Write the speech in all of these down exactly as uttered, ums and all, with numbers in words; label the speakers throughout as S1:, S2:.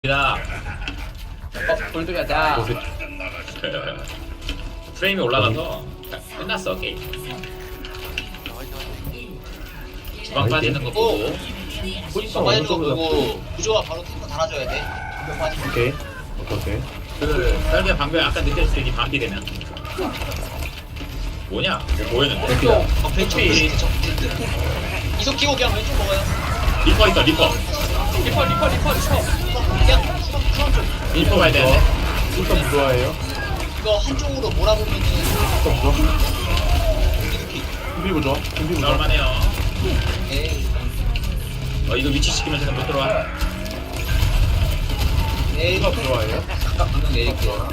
S1: 다
S2: 어, 골드 가자.
S1: 프레임이 올라가서 끝났어 게임. 주방 빠지는 거 보고
S3: 포지션 빠지는 거 보고 구조가 바로 탱커 달아줘야 돼. 방벽 빠지면.
S4: 오케이 오케이 오케이
S1: 그 설계 방금 아까 느꼈을 때 반피 되면 뭐냐? 뭐 보였는데?
S2: 왼쪽.
S3: 어, 왼쪽 브리스트, 저 브리스트. 이속 키고 그냥 왼쪽 먹어요.
S1: 리퍼 있어 리퍼.
S2: 리퍼 리퍼 리퍼 리퍼.
S3: 그냥 수방 수방 쪽.
S1: 리퍼 가야 되는데.
S4: 일단 무좋아해요
S3: 이거 한쪽으로 몰아보면은
S4: 일단 무좋아
S3: 이렇게.
S4: 준비 무좋아 준비 무좋아
S1: 나올만해요.
S3: 에이,
S1: 어 이거 위치 시키면 못 들어와.
S3: 에이.
S4: 일단 무좋아해요
S3: 잠깐 방금 내릴게요.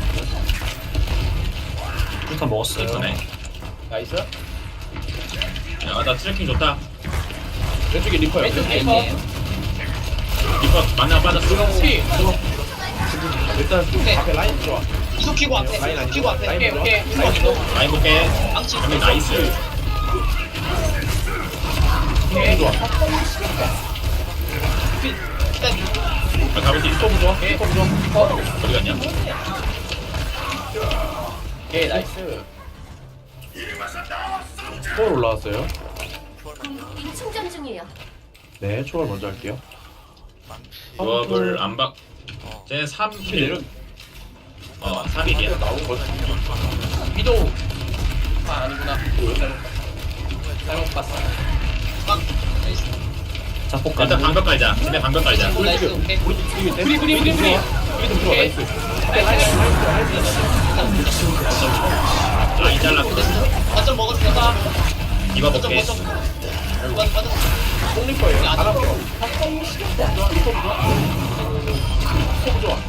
S4: 일단 먹었어요
S1: 리퍼네.
S2: 나이스.
S1: 아나 트래킹 좋다.
S4: 왼쪽에 리퍼요
S2: 왼쪽
S4: 왼쪽에
S2: 리퍼.
S1: 리퍼 만나 빠졌어.
S2: 피.
S4: 일단
S3: 오케이.
S4: 앞에 라인 좋아
S3: 이속 키고 앞에.
S4: 라인
S3: 이속 키고 앞에.
S4: 라인
S2: 오케이 오케이.
S4: 라인 좋아
S1: 라인 볼게.
S3: 망치.
S1: 그러면 나이스.
S4: 힘 좋아
S3: 일단
S1: 아, 가볼 수 있어.
S4: 리퍼 좋아 리퍼 좋아
S1: 어디 갔냐?
S2: 오케이 나이스.
S4: 초월 올라왔어요
S5: 궁극기 충전 중이에요.
S4: 네 초월 먼저 할게요
S1: 조합을 안 박. 쟤는 삼 킬. 어 삼 일이야.
S4: 나온 거
S2: 위도. 아 아니구나. 잘못 봤어.
S3: 막. 나이스.
S4: 자폭
S1: 일단 방벽 깔자. 집에 방벽 깔자.
S3: 나이스. 오케이.
S4: 우리 우리
S2: 브리 브리 브리 브리.
S4: 우리 들어와 나이스
S1: 라인 잘랐고.
S3: 거점 먹어도 된다.
S1: 이거
S3: 거점
S1: 볼게.
S3: 거점. 맞아 맞아.
S4: 똥리퍼예요
S3: 안
S4: 안
S3: 아파.
S4: 아파 좋아 리퍼 좋아 리퍼 좋아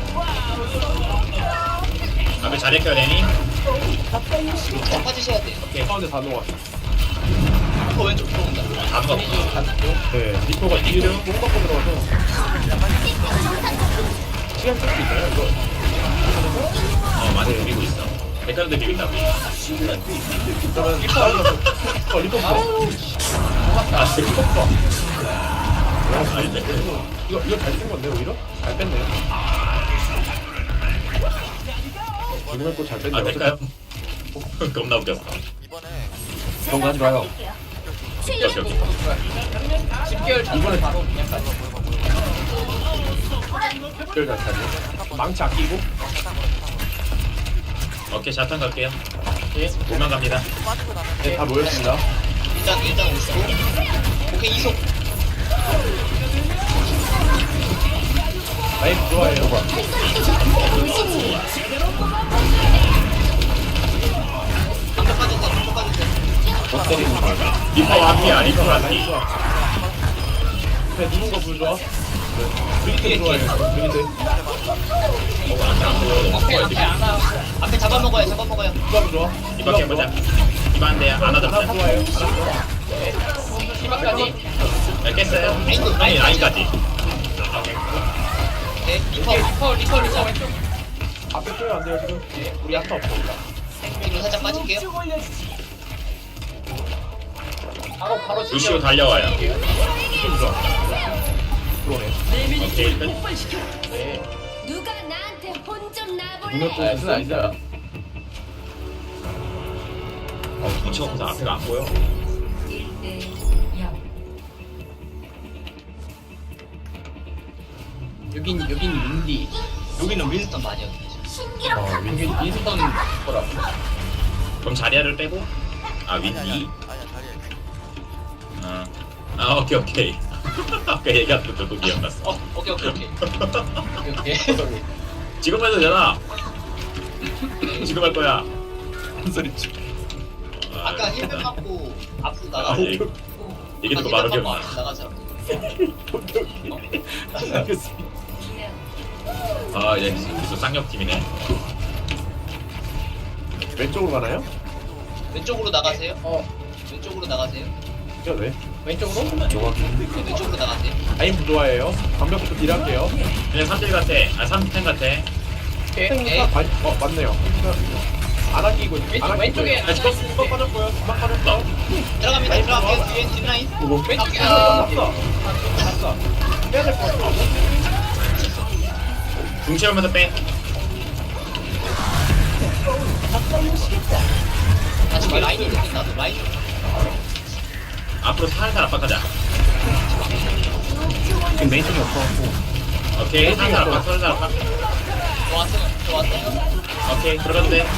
S1: 앞에 자리 켜야 되니?
S3: 자 빠지셔야 돼.
S1: 오케이.
S4: 가운데 다 놓았어
S3: 어 왼쪽 들어온다.
S1: 다 먹었어.
S4: 네 리퍼가 이를 못 갖고 들어가서 시간 쓸 수 있어요 이거
S1: 어 많이 비비고 있어. 백화점도 비빈다고.
S4: 그러면 리퍼 어 리퍼 좋아
S1: 아
S4: 리퍼 좋아
S1: 아닌데.
S4: 이거 이거 잘 쓴 건데 오히려 잘 뺐네요 이번에 또잘
S1: 아
S4: 뺐네요
S1: 될까요? 겁나 웃겼어.
S4: 그런 거 하지 마요
S1: 오케이 오케이.
S2: 집결 이번에 바로 그냥 가자.
S4: 특별 잘 차네 망치 아끼고
S1: 오케이 자탄 갈게요. 오만 갑니다.
S4: 네다 모였습니다
S3: 일단 일단 오시고. 오케이 이속.
S4: 라인 좋아해요
S3: 방벽 빠진다. 방벽 빠진다.
S4: 못 때리는 거
S1: 리퍼 앞이야 리퍼
S4: 라인
S1: 앞이.
S4: 좋아 네 누군 거 불좋아 브리트 좋아해요 브리트
S2: 앞에 앞에 안아.
S3: 앞에 잡아먹어요. 잡아먹어요.
S4: 누가 불좋아
S1: 이거 해보자. 이반대 하나
S4: 하나
S1: 잡자.
S4: 좋아해요 알았어
S2: 희망까지.
S1: 야 깼어요?
S3: 라인도,
S1: 아니
S3: 라인
S1: 라인까지.
S3: 네. 리퍼.
S2: 리퍼 리퍼 리퍼 왼쪽.
S4: 앞에 뛰면 안 돼요 지금 우리 야타 없어
S3: 뒤로 살짝 빠질게요.
S2: 바로 바로
S1: 루시오
S2: 집결.
S1: 달려와요.
S4: 힘 좋아 들어오네
S1: 오케이 끝.
S2: 네.
S5: 누가 나한테 혼 좀 나볼래?
S4: 눈을 또
S2: 나이스 나이스.
S1: 어 뭉쳐서 앞에가 안 보여.
S2: 여긴 여긴 윈디.
S3: 여기는 윈스턴 많이 요
S4: 어
S2: 여긴
S4: 윈기
S2: 윈스턴 거라고.
S1: 그럼 자리아를 빼고 아 윈디. 아, 아 오케이 오케이. 아까 얘기했던 거 기억났어.
S3: 어 오케이 오케이 오케이.
S2: 오케이 오케이.
S1: 지금 해도 되나? 지금 할 거야.
S4: 무슨 소리지
S1: 아,
S3: 아까 힐백 맞고 앞으로
S1: 아,
S3: 나가고.
S1: 얘기 얘기 듣고
S3: 아까
S1: 바로
S3: 힐백 맞고
S1: 기억나.
S3: 앞으로 나가자.
S4: 오케이 오케이 알겠습니다
S1: 아 이제 계속 쌍욕팀이네.
S4: 왼쪽으로 가나요?
S3: 왼쪽으로 나가세요.
S2: 어
S3: 왼쪽으로 나가세요.
S4: 이거 왜?
S2: 왼쪽으로.
S3: 네, 왼쪽으로 나가세요.
S4: 라인 부좋아해요 방벽부터 딜할게요
S1: 그냥 삼 딜 같아. 아 삼 탱 같아.
S2: 오케이.
S3: 네.
S4: 아, 어 맞네요 안 아끼고
S2: 왼쪽 왼쪽에
S4: 아 주방 주방 빠졌고요 주방 빠졌고
S3: 들어갑니다. 들어갈게요. 뒤에 뒷라인.
S2: 왼쪽에
S4: 아
S2: 아.
S4: 났어 났어 빼야 될 것 같아
S1: 궁채우면서 빼.
S3: 나 지금 라인이 느낀다. 라인.
S1: 앞으로 살살 압박하자.
S4: 지금 메인 쪽이 없어갖고.
S1: 오케이 살살 압박 살살 압박.
S3: 좋았어요. 좋았어요.
S1: 오케이 들어가도 돼.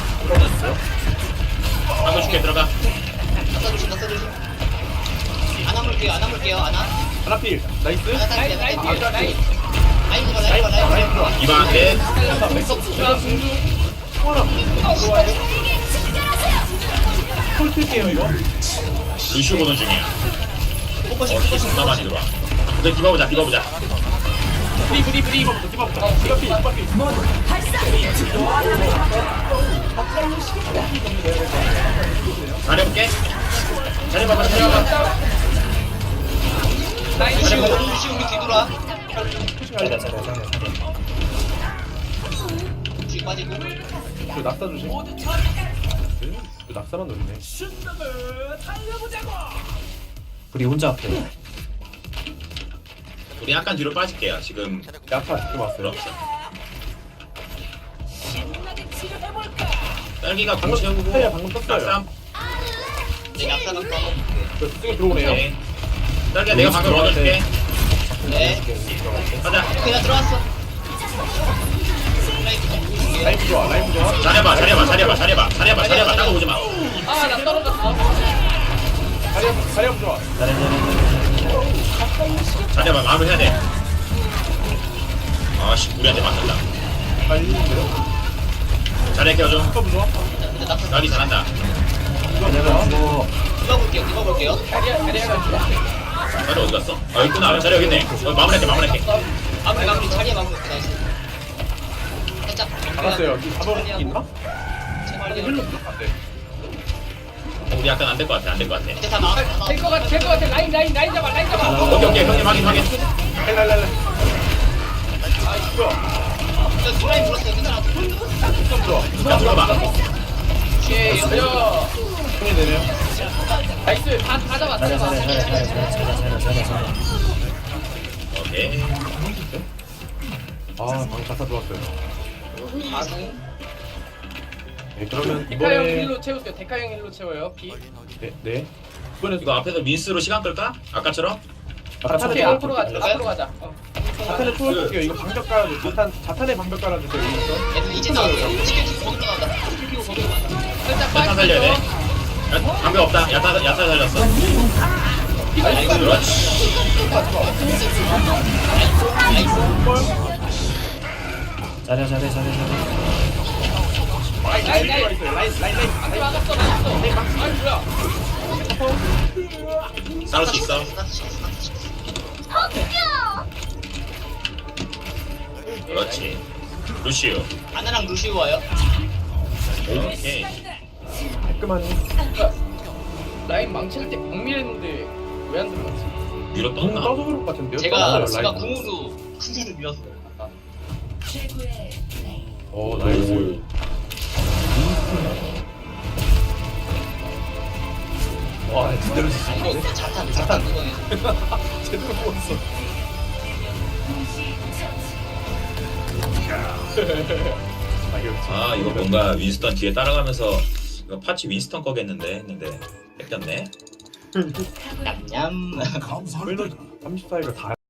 S1: 방금 줄게 들어가.
S3: 나 써주신 나 써주신. 안 아물게요. 안 아물게요. 안 아.
S4: 하나필. 나이스.
S3: 하나
S2: 라인
S3: 딸게.
S2: 라인
S3: 라인
S2: 뒤에 라인.
S3: 라인 들어. 라인 들어. 라인 들어.
S1: 이방 안돼.
S2: 잘랐다. 자 공주.
S4: 콜 킬게요 이거.
S1: 루시오 보는 중이야.
S3: 포커싱
S1: 어
S3: 포커싱.
S1: 존나 많이 들어와. 근데 디바보자 디바보자.
S4: 브리 브리 브리 이거부터 디바부터. 디바필 디바필.
S1: 잘해볼게. 잘해봐봐 잘해봐봐.
S2: 라인
S3: 루시
S2: 뒤에.
S3: 루시 우리 뒤돌아.
S4: 잘해 잘해 잘해 잘해.
S3: 루시 빠지고.
S4: 그 낙사 조심. 그 낙사만 노리네.
S6: 우리 혼자 앞에
S1: 우리 약간 뒤로 빠질게요. 지금
S4: 야타 지금
S1: 별로
S4: 왔어요.
S1: 없어. 딸기가 공
S4: 방금
S1: 채우고
S4: 떴어요. 방금 떴어요.
S1: 낙삼.
S3: 네, 약사는 또.
S4: 저 지금 들어오네요.
S1: 오케이. 딸기야 내가 방금 얻어줄게.
S3: 네.
S1: 가자.
S3: 그냥 들어왔어. 라인
S4: 라이프 좋아 라이프 좋아.
S1: 잘해봐 잘해봐 잘해봐 잘해봐 잘해봐 잘해봐 따로 오지마.
S2: 아나 떨어졌어.
S4: 자리야 자리야 좋아.
S6: 잘해 잘해
S1: 잘해봐 마음을 해야 돼. 아씨 우리한테 맞는다.
S4: 빨리 내려.
S1: 잘해 껴줘.
S4: 스톱 좋아.
S3: 근데 낙사.
S1: 딸기 잘한다.
S6: 내가 뭐
S3: 이거 볼게요. 이거 볼게요.
S2: 자리야 자리야가 좋아.
S1: 자리 어디 갔어? 아 여기 있구나. 자리 여기 있네. 어, 마무리할게 마무리할게.
S3: 마무리 마무리 자리에 마무리. 나이스. 살짝.
S4: 잡았어요. 이 잡아볼 수 있나?
S3: 제발
S4: 힐로 부족한데.
S1: 우리 약간 안 될 것 같아 안 될 것 같아.
S3: 이제 다 나와. 다 나와.
S2: 될것 같아 될것 같아. 라인 라인 라인 잡아 라인 잡아.
S1: 오케이 오케이 형님 확인 확인.
S4: 랄랄랄라. 아 이거.
S3: 저 뒷라인 불었어요. 괜찮아.
S4: 스톱 좋아.
S1: 자 들어봐.
S2: 오케이 여여.
S4: 손이 되네요.
S2: 나이스 다다 잡아 다
S6: 잘해
S2: 잡아.
S6: 잘해 잘해 잘해 잘해 잘해 잘해 잘해
S1: 오케이.
S4: 아 방금 가사 좋았어요.
S3: 아승.
S4: 네 그러면
S2: 데카 형
S4: 이번에
S2: 힐로 채울게요. 데카 형 힐로 채워요. 비.
S4: 네 네. 이번에
S1: 이거 앞에서 민스로 시간 끌까? 아까처럼?
S4: 자탄에
S2: 오케이 앞으로 가자.
S3: 들어가요?
S2: 앞으로 가자. 어.
S4: 자탄에 투어할게요. 이거 방벽 깔아줘. 자탄 자탄에 방벽 깔아주세요. 여기서.
S3: 얘들 이제 나왔어요. 지금 지금 거기로 나온다.
S2: 살짝
S1: 야타 살려야 돼.
S2: 빠지고.
S1: 야, 방금 없다. 야타 야타 살렸어.
S3: 나이스.
S1: 그렇지.
S6: 잘해 잘해 잘해 잘해
S2: 라인 라인 라인.
S4: 라인 라인 라인.
S2: 앞에 막았어 막았어. 아이 뭐야.
S1: 싸울 수 있어. 그렇지. 루시오.
S3: 아나랑 루시우 와요.
S1: 오케이.
S4: 깔끔하니.
S2: 라인 망칠 때 방밀했는데 왜 안 들어갔지?
S1: 위로
S4: 궁
S1: 떴나?
S4: 떠서 그럴 것 같은데요.
S3: 제가
S4: 떠서요,
S3: 제가
S4: 라인.
S3: 궁으로 큰일을 밀었어요. 아까.
S4: 오 나이스. 와 제대로
S3: 이거
S4: 지시네.
S3: 자탄 자탄 구덩이.
S4: 제대로 뽑았어. 아 이거
S1: 아 이거 뭔가 윈스턴 뒤에 따라가면서 이거 파치 윈스턴 거겠는데 했는데 뺏겼네.
S3: 냠냠.
S4: 삼십사 위가 다